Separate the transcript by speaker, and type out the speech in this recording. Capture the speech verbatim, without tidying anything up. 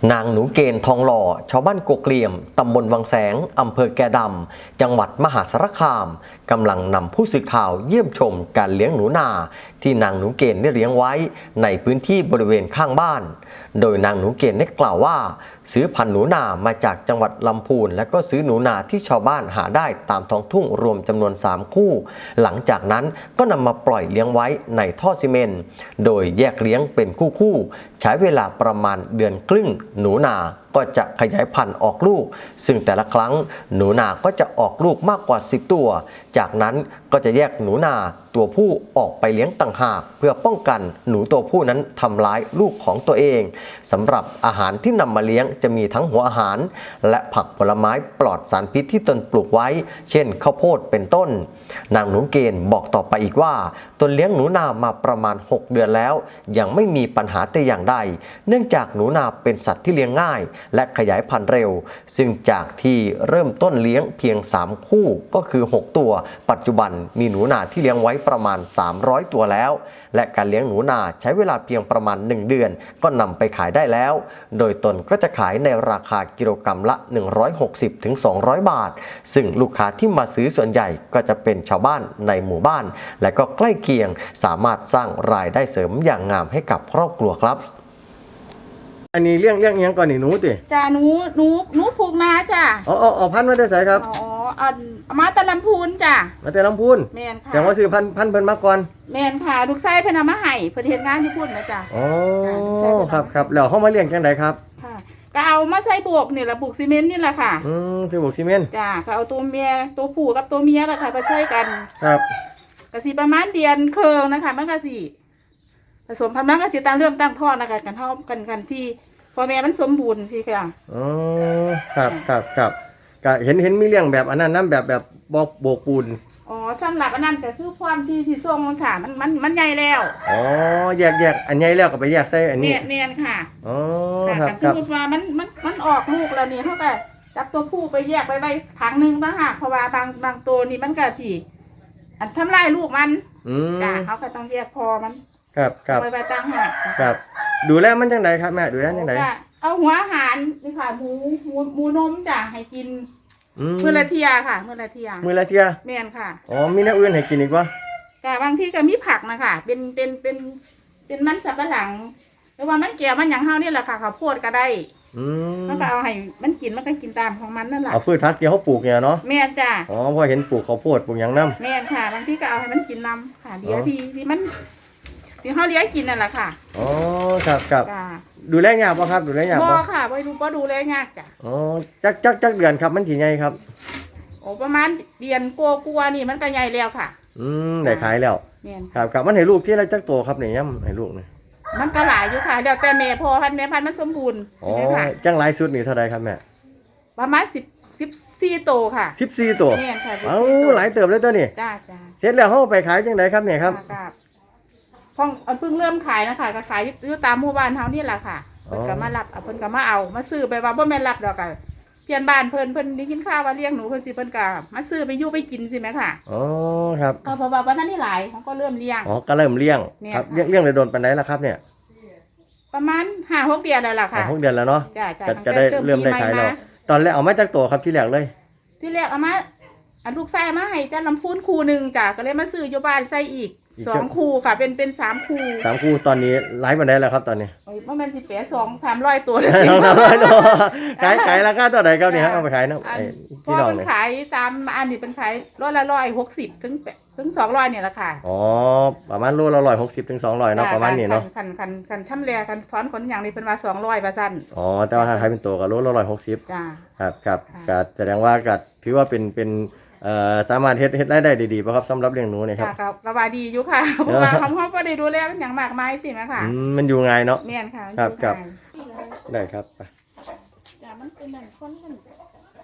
Speaker 1: นางหนูเกณฑ์ทองหล่อชาวบ้านกกเหลี่ยมตำบลวังแสงอำเภอแก่ดำจังหวัดมหาสารคามกำลังนำผู้สื่อข่าวเยี่ยมชมการเลี้ยงหนูนาที่นางหนูเกณฑ์ได้เลี้ยงไว้ในพื้นที่บริเวณข้างบ้านโดยนางหนูเกณฑ์ได้กล่าวว่าซื้อพันธุ์หนูนามาจากจังหวัดลำพูนและก็ซื้อหนูนาที่ชาวบ้านหาได้ตามท้องทุ่งรวมจำนวนสามคู่หลังจากนั้นก็นำมาปล่อยเลี้ยงไว้ในท่อซีเมนต์โดยแยกเลี้ยงเป็นคู่ๆใช้เวลาประมาณเดือนครึ่งหนูนาก็จะขยายพันธุ์ออกลูกซึ่งแต่ละครั้งหนูนาก็จะออกลูกมากกว่าสิบตัวจากนั้นก็จะแยกหนูนาตัวผู้ออกไปเลี้ยงต่างหากเพื่อป้องกันหนูตัวผู้นั้นทำร้ายลูกของตัวเองสำหรับอาหารที่นำมาเลี้ยงจะมีทั้งหัวอาหารและผักผลไม้ปลอดสารพิษที่ตนปลูกไว้เช่นข้าวโพดเป็นต้นนางหนูเกณฑ์บอกต่อไปอีกว่าตนเลี้ยงหนูนามาประมาณหกเดือนแล้วยังไม่มีปัญหาแต่อย่างใดเนื่องจากหนูนาเป็นสัตว์ที่เลี้ยงง่ายและขยายพันธุ์เร็วซึ่งจากที่เริ่มต้นเลี้ยงเพียงสามคู่ก็คือหกตัวปัจจุบันมีหนูนาที่เลี้ยงไว้ประมาณสามร้อยตัวแล้วและการเลี้ยงหนูนาใช้เวลาเพียงประมาณหนึ่งเดือนก็นำไปขายได้แล้วโดยตนก็จะขายในราคากิโลกรัมละหนึ่งร้อยหกสิบถึงสองร้อยบาทซึ่งลูกค้าที่มาซื้อส่วนใหญ่ก็จะเป็นชาวบ้านในหมู่บ้านและก็ใกล้เคียงสามารถสร้างรายได้เสริมอย่างงามให้กับครอบครัวครับอันนี้เลี้ยงเลี้ยงยังก่อนนี่หนูติ
Speaker 2: จ้าหนูหนูหนูผูกนาจ้า
Speaker 1: อ๋ออ๋อพันธุ์มาได้ใส่ครับ
Speaker 2: อ๋ออันมาแต่ลำพูนจ้า
Speaker 1: มาแต่ลำพูน
Speaker 2: แมนค่ะ
Speaker 1: แต่ว่าซื้อพันธุ์พันธุ์เพิ่นมาก่อน
Speaker 2: แมนค่ะลูกไส้เพิ่นเอามาให้เพิ่นเฮ็ดงานที่พูนนะจ้า
Speaker 1: อ๋อครับครับแล้วเฮามาเลี้ยงจังไดครับ
Speaker 2: ค่ะก็เอามาใส่บวกนี่ละบุกซีเมนต์นี่แหละค่ะ
Speaker 1: อืมใส่บวกซีเมนต์
Speaker 2: จ้าก็เอาตัวเมียตัวผู้กับตัวเมียล่ะค่ะมาใส่กัน
Speaker 1: ครับ
Speaker 2: ก็สิประมาณเดือนครึ่งนะคะมันก็สิผสมพันธุ์มันก็สิตั้งเริ่มตั้งท้องนะคะกันเฮากันกันที่พ่อแม่มันสมบูรณ์สิค่ะ
Speaker 1: อ๋อครับครับครับก็เห็นเห็นมีเลี้ยงแบบอันนั้นน้ำแบบแบบบอกโบกปูน
Speaker 2: อ๋อสำหรับอันนั้นก็คือความที่ที่ทรงมันค่ะมันมันมันใหญ่แล้ว
Speaker 1: อ๋อแยกแยกอันใหญ่แล้วก็ไปแยกใส่อันนี้
Speaker 2: เนียนค่ะ
Speaker 1: อ๋อ
Speaker 2: ครับสมมติว่ามันมันมันออกลูกแล้วนี่เขาก็จับตัวผู้ไปแยกไปไว้ถังหนึ่งต่างหากเพราะว่าบางบางตัวนี่มันก็สิอันทำลายลูกมันจ้ะเขาก็ต้องแยกพอมัน
Speaker 1: ครับครับ
Speaker 2: ไปไปต่างหาก
Speaker 1: ครับดูแลมันจังไดครับแม่ดูแลจังได
Speaker 2: เอาหัวอาหารนี่ค่ะหมูหมูหมูนมจ้ะให้กินมื้อละเที่ยค่ะมื้อละเที่ย
Speaker 1: มื้อละเที่ย
Speaker 2: แม่นค่ะ
Speaker 1: อ๋อมีแนวอื่นให้กินอีกบ่
Speaker 2: จ้ะบางทีก็มีผักนะคะเป็นเป็นเป็นเป็นมันสับปะหลังหรือว่ามันแก่มันหยังเฮานี่แหละค่ะข้าวโพดก็ได้
Speaker 1: อืม
Speaker 2: มันก็เอาให้มันกินมันก็กินตามของมันนั่นแหละ
Speaker 1: เอาพืชผักที่เขาปลูกเนี่ยเนาะ
Speaker 2: แม่นจ้ะ
Speaker 1: อ๋อพอเห็นปลูกข้าวโพดปลูกหยังนำ
Speaker 2: แม่นค่ะบางทีก็เอาให้มันกินนำค่ะเดี๋ยวที่ที่มันที่เฮาเลี้ยงกินนั่นแหละค่ะ
Speaker 1: อ๋อครับครับดูแลยากบ่ครับดูแลยากบ่
Speaker 2: บ่ค่ะบ่ดูบ่ดูแลยากจ้ะ
Speaker 1: อ๋อจักจักจักเดือนครับมันสิใหญ่ครับ
Speaker 2: โอ้ประมาณเดือนกว่าๆนี่มันก็ใหญ่แล้วค่ะ
Speaker 1: อืมได้ขายแล้ว
Speaker 2: แม่น
Speaker 1: ครับครับมันให้ลูกที่ละจักโตครับนี่ย่ำให้ลูกนี่
Speaker 2: มันก็หลายอยู่ค่ะเดี๋ยวแต่แม่พอพันแม่พันมันสมบูรณ์
Speaker 1: อ๋อจังหลายสุดนี่เท่าใดครับแม่
Speaker 2: ประมาณสิบ สิบสี่โตค่ะ
Speaker 1: สิบสี่โต
Speaker 2: แม่นค่ะ
Speaker 1: เอ้าหลายเติบเลยตัวนี้
Speaker 2: จ้าจ้า
Speaker 1: เสร็จแล้วเฮาไปขายจังไดครับเนี่ยครับ
Speaker 2: พ่องเพิ่งเริ่มขายนะคะก็ขายอยู่ตามหมู่บ้านเฮานี่แหละค่ะเพิ่นก็มารับเพิ่นก็มาเอามาซื้อไปว่าบ่แม่นรับดอกก็เพื่อนบ้านเพิ่นเพิ่นได้กินข้าวว่าเลี้ยงหนูเพิ่นสิเพิ่นก็มาซื้อไปอยู่ไปกินสิแม่ค่ะ
Speaker 1: อ๋อครับ
Speaker 2: ก็เพราะว่าวันนั้นนี่หลายเขาก็เริ่มเลี้ยง
Speaker 1: อ๋อก็เริ่มเลี้ยงครับเลี้ยงเลี้ยงเลยโดนปานใดล่ะครับเนี่ย
Speaker 2: ประมาณ ห้าหก เดือนแล้วล่ะค่ะ
Speaker 1: หกเดือนแล้วเนาะ
Speaker 2: จ้ะ
Speaker 1: จะได้เริ่มได้ขายแล้วตอนแรกเอามาจากโตครับที่แรกเลย
Speaker 2: ที่แรกเอามาอันลูกไส้มาให้จ้าลำพูนคู่นึงจ้ะก็เลยมาซื้ออยู่บ้านไส้อีกสองคู่ค่ะเป็นเป็นสามคู่
Speaker 1: สามคู่ตอนนี้ไลฟ์มาได้แล้วครับตอนนี้
Speaker 2: โอ้ยมันเป็นสิบแปดสองสามร้อยตัวเลย
Speaker 1: ขายขายราคาเท่าไหร่ครับเนี่ยเอาไปขายนะ
Speaker 2: พอเป็นขายตามอันนี้เป็นขายร้อยละร้อยหกสิบถึงถึงสองร้อยเนี่ยแหละค่ะ
Speaker 1: อ๋อประมาณโลละร้อยหกสิบถึงสองร้อยเนาะประมาณนี้เนาะ
Speaker 2: คันคันคันช่ำแรกันถอนขนอย่างนี้เป็นว่าสองร้อยเปอร์เซ็นต์
Speaker 1: อ๋อแต่ว่าถ้าขายเป็นตัวก็โลละร้อยหกสิบ
Speaker 2: จ้า
Speaker 1: ครับครับก็แสดงว่าก็ถือว่าเป็นเป็นเอ่อสามารถเฮ็ดเฮ็ดได้ได้ดีๆป่ะครับสำหรับเลี้ยงหนูเนี่ยครับ
Speaker 2: ครับสบายดีอยู่ค่ะเพราะว่าเขาเขาก็ได้ดูแลมันอย่างมากมายสินะคะ
Speaker 1: อืมมันอยู่ง่ายเนาะ
Speaker 2: แม่นค่ะ
Speaker 1: ครับครับได้ครับ
Speaker 2: จ้ามันเป็นหนังคนกัน